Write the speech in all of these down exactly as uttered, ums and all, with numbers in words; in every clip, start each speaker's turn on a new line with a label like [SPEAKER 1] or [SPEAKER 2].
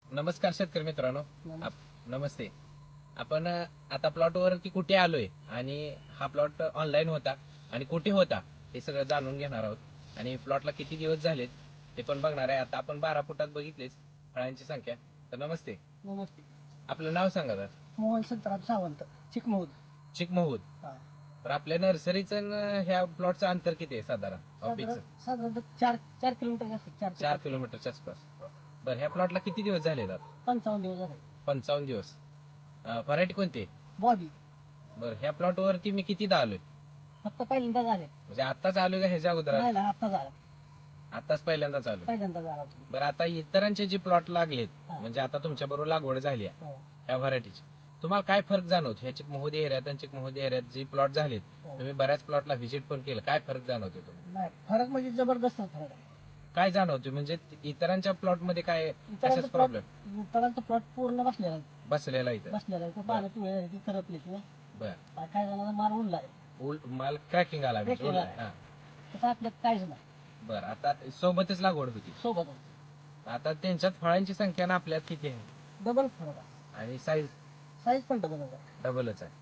[SPEAKER 1] नमस्कार शेतकरी मित्रांनो.
[SPEAKER 2] नमस्कार.
[SPEAKER 1] आप- नमस्ते. आपण अ, आता प्लॉटवर की कुठे आलोय आणि हा प्लॉट ऑनलाईन होता आणि कुठे होता हे सगळं जाणून घेणार आहोत आणि प्लॉटला किती दिवस झालेत ते पण बघणार आहे. आता आपण बारा फुटात बघितलेच फळांची संख्या. तर नमस्ते,
[SPEAKER 2] नमस्ते.
[SPEAKER 1] आपलं नाव सांगा तर.
[SPEAKER 2] मोहन संतराम सावंत, चिकमौद.
[SPEAKER 1] चिकमहूद.
[SPEAKER 2] हा.
[SPEAKER 1] तर आपल्या नर्सरीचं न ह्या प्लॉटचं अंतर किती आहे साधारण ऑफिसचं?
[SPEAKER 2] साधारण साधारणतः चार चार किलोमीटर असते. चार ते
[SPEAKER 1] चार
[SPEAKER 2] पाच.
[SPEAKER 1] किलोमीटरच्या आसपास. बरं, ह्या प्लॉटला किती दिवस झाले आहेत?
[SPEAKER 2] पंचावन्न दिवस झाले.
[SPEAKER 1] पंचावन्न दिवस. व्हरायटी कोणती आहे?
[SPEAKER 2] बॉबी
[SPEAKER 1] बरं, ह्या प्लॉटवरती मी कितीदा आलोय?
[SPEAKER 2] फक्त पहिल्यांदा झाले.
[SPEAKER 1] म्हणजे आताच आलोय का ह्याच्या अगोदर आलोय?
[SPEAKER 2] नाही ना, आता झाला.
[SPEAKER 1] आताच पहिल्यांदाच आलोय.
[SPEAKER 2] पहिल्यांदा झाला तुम्ही.
[SPEAKER 1] बरं, आता इतरांचे जे प्लॉट लागलेत
[SPEAKER 2] हा.
[SPEAKER 1] म्हणजे आता तुमच्या बरोबर लागवड झाली आहे
[SPEAKER 2] हो.
[SPEAKER 1] ह्या व्हरायटीची, तुम्हाला काय फरक जाणवतो ह्या चिकमहुदी एरियात आणि चिकमहुदी एरियात जे प्लॉट झालेत?
[SPEAKER 2] हो.
[SPEAKER 1] तुम्ही बऱ्याच प्लॉटला व्हिजिट पण केलं, काय फरक जाणवतो तुम्हाला?
[SPEAKER 2] नाही, फरक म्हणजे जबरदस्त फरक आहे.
[SPEAKER 1] काय जाणवतो म्हणजे इतरांच्या प्लॉट मध्ये काय
[SPEAKER 2] इतरांचा
[SPEAKER 1] कशाच
[SPEAKER 2] प्लॉट
[SPEAKER 1] प्रॉब्लेम
[SPEAKER 2] इतरांचा प्लॉट पूर्ण बसलेला आहे.
[SPEAKER 1] बसलेला इथं?
[SPEAKER 2] बसलेला आहे. पानं पिवळे झाली, ती करपली ती.
[SPEAKER 1] बर,
[SPEAKER 2] काय जणांना मार उडला आहे.
[SPEAKER 1] उल- माल क्रॅकिंग आला म्हणजे
[SPEAKER 2] Cracking
[SPEAKER 1] उल-
[SPEAKER 2] आला.
[SPEAKER 1] हा.
[SPEAKER 2] तसं आपल्यात काहीच नाही.
[SPEAKER 1] बरं, आता सोबतच लागवड होती.
[SPEAKER 2] सोबत
[SPEAKER 1] आता त्यांच्यात फळांची संख्या ना आपल्यात किती आहे
[SPEAKER 2] डबल फरक आहे.
[SPEAKER 1] आणि साईज
[SPEAKER 2] साईज पण डबल आहे.
[SPEAKER 1] डबलच आहे.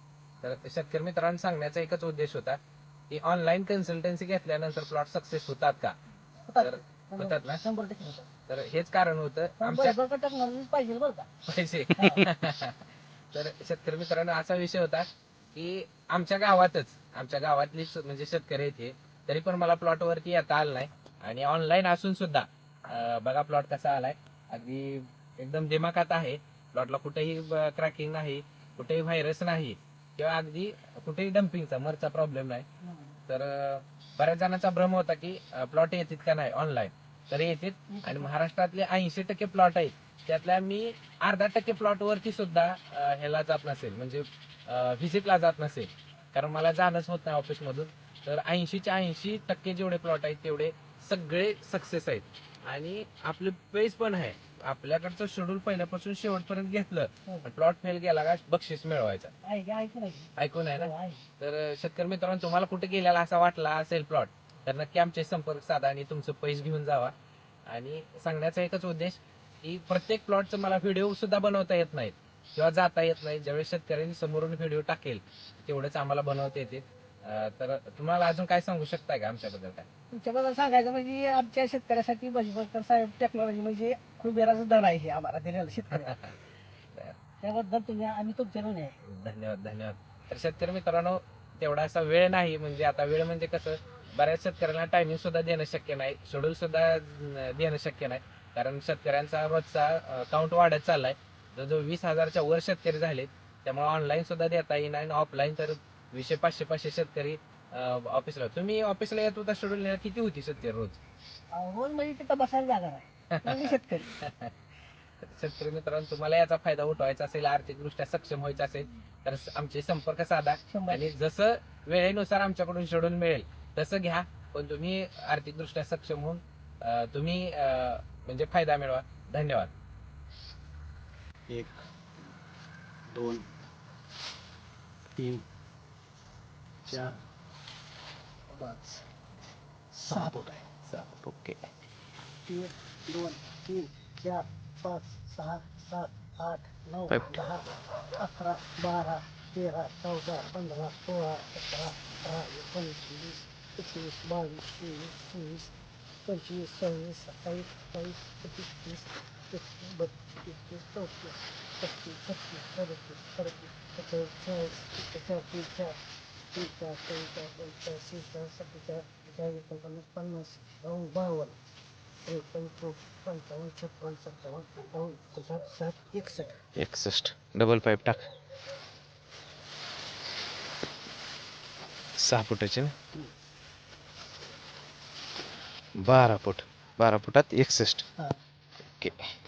[SPEAKER 1] तर शेतकरी मित्रांनो, सांगण्याचा एकच उद्देश होता की ऑनलाईन कन्सल्टन्सी घेतल्यानंतर प्लॉट सक्सेस होतात का? तर होतात ना?
[SPEAKER 2] शंभर टक्के होतात.
[SPEAKER 1] तर हेच कारण होतं
[SPEAKER 2] पण
[SPEAKER 1] आमच्या
[SPEAKER 2] बळकट टेक्नॉलॉजी पाहिजे बरं का.
[SPEAKER 1] पैसे.
[SPEAKER 2] हा.
[SPEAKER 1] तर शेतकरी मित्रांनो, असा विषय होता की आमच्या गावातच आमच्या गावातलीच म्हणजे शेतकरी आहेत हे, तरी पण मला प्लॉट वरती येता आलं नाही आणि ऑनलाईन असून सुद्धा अं, बघा प्लॉट कसा आलाय. अगदी एकदम दिमाखात आहे. प्लॉटला कुठेही क्रॅकिंग नाही, कुठेही व्हायरस नाही किंवा अगदी कुठेही डम्पिंगचा मरचा प्रॉब्लेम नाही. तर अं, बऱ्याच जणांचा भ्रम होता की प्लॉट येतात का नाही ऑनलाईन, तर येतात आणि महाराष्ट्रातले ऐंशी टक्के प्लॉट आहेत त्यातल्या मी अर्धा टक्के प्लॉट वरती सुद्धा अं, ह्याला जात नसेल म्हणजे व्हिजिटला जात नसेल, कारण मला जाणंच होत नाही ऑफिस मधून. तर ऐंशीच्या ऐंशी टक्के जेवढे प्लॉट आहेत तेवढे सगळे सक्सेस आहेत आणि आपले पेज पण आहे. आपल्याकडचं शेड्यूल पहिल्यापासून शेवटपर्यंत घेतलं, प्लॉट फेल गेला का बक्षीस मिळवायचा.
[SPEAKER 2] आहे का? ऐकून आहे.
[SPEAKER 1] ऐकून आहे ना?
[SPEAKER 2] हो, आहे.
[SPEAKER 1] तर शेतकरी मित्रांनो, तुम्हाला कुठे गेलेला असा वाटला असेल प्लॉट, तर नक्की आमचे संपर्क साधा आणि तुमचं पैसे घेऊन जावा. आणि सांगण्याचा एकच उद्देश की प्रत्येक प्लॉटचं मला व्हिडिओ सुद्धा बनवता येत नाहीत किंवा जाता येत नाही. ज्यावेळेस शेतकऱ्यांनी समोरून व्हिडिओ टाकेल तेवढंच आम्हाला बनवता येते. अं, तर तुम्हाला अजून काय सांगू शकताय का आमच्याबद्दल? काय
[SPEAKER 2] तुमच्याबद्दल सांगायचं म्हणजे आमच्या शेतकऱ्यासाठी बळीकर साहेब टेक्नॉलॉजी म्हणजे कुबेराचं धन आहे हे आम्हाला दिलेलं शेतकऱ्याला. त्याबद्दल तुम्ही आम्ही तुमचे ऋणी आहे.
[SPEAKER 1] धन्यवाद धन्यवाद. तर शेतकरी मित्रांनो, तेवढा असा वेळ नाही, म्हणजे आता वेळ म्हणजे कसं, बऱ्याच शेतकऱ्यांना टायमिंग सुद्धा देणं शक्य नाही, शेड्यूल सुद्धा अं, देणं शक्य नाही, कारण शेतकऱ्यांचा रोजचा काउंट वाढत चाललाय. जवळजवळ वीस हजारच्या वर शेतकरी झालेत. त्यामुळे ऑनलाईन सुद्धा देता येईना आणि ऑफलाईन तर विशे पाचशे पाचशे शेतकरी ऑफिसला. तुम्ही ऑफिसला येत होता, शेड्यूल किती होती शेतकरी रोज?
[SPEAKER 2] रोज म्हणजे तिथं बसायला जागा नाही म्हणजे शेतकरी.
[SPEAKER 1] शेतकरी मित्रांनो, तुम्हाला याचा फायदा उठवायचा असेल, आर्थिकदृष्ट्या सक्षम व्हायचं असेल, तर आमचे संपर्क साधा
[SPEAKER 2] शंभर.
[SPEAKER 1] आणि जसं वेळेनुसार आमच्याकडून शेड्यूल मिळेल तसं घ्या. पण तुम्ही आर्थिकदृष्ट्या सक्षम होऊन अं, तुम्ही अं, म्हणजे फायदा मिळवा. धन्यवाद.
[SPEAKER 3] एक दोन तीन चार
[SPEAKER 2] पाच सहा फूट आहे.
[SPEAKER 3] सहा ओके.
[SPEAKER 2] एक दोन तीन चार पाच सहा सात आठ नऊ
[SPEAKER 3] Five.
[SPEAKER 2] दहा अकरा बारा तेरा चौदा पंधरा सोळा सतरा अठरा एकोणीस एकवीस बावीस तेवीस चोवीस पंचवीस सव्वीस सत्तावीस अठ्ठावीस एकोणतीस तीस एकतीस बत्तीस तेहतीस चौतीस पस्तीस छत्तीस सदतीस अडतीस सत्तेचाळीस चाळीस एक्केचाळीस बेचाळीस त्रेचाळीस चव्वेचाळीस पंचेचाळीस शेहेचाळीस सत्तेचाळीस अठ्ठेचाळीस एकोणपन्नास पन्नास बावन्न बावन्न त्रेपन्न चौपन्न पंचावन्न छप्पन्न सत्तावन्न अठ्ठावन्न एकोणसाठ साठ एकसष्ट.
[SPEAKER 3] एकसष्ट डबल फाईव्ह टाक. सहा फुटाचे ना? बारा फूट बारा फुटात एकसष्ट.
[SPEAKER 2] हां.
[SPEAKER 3] ओके.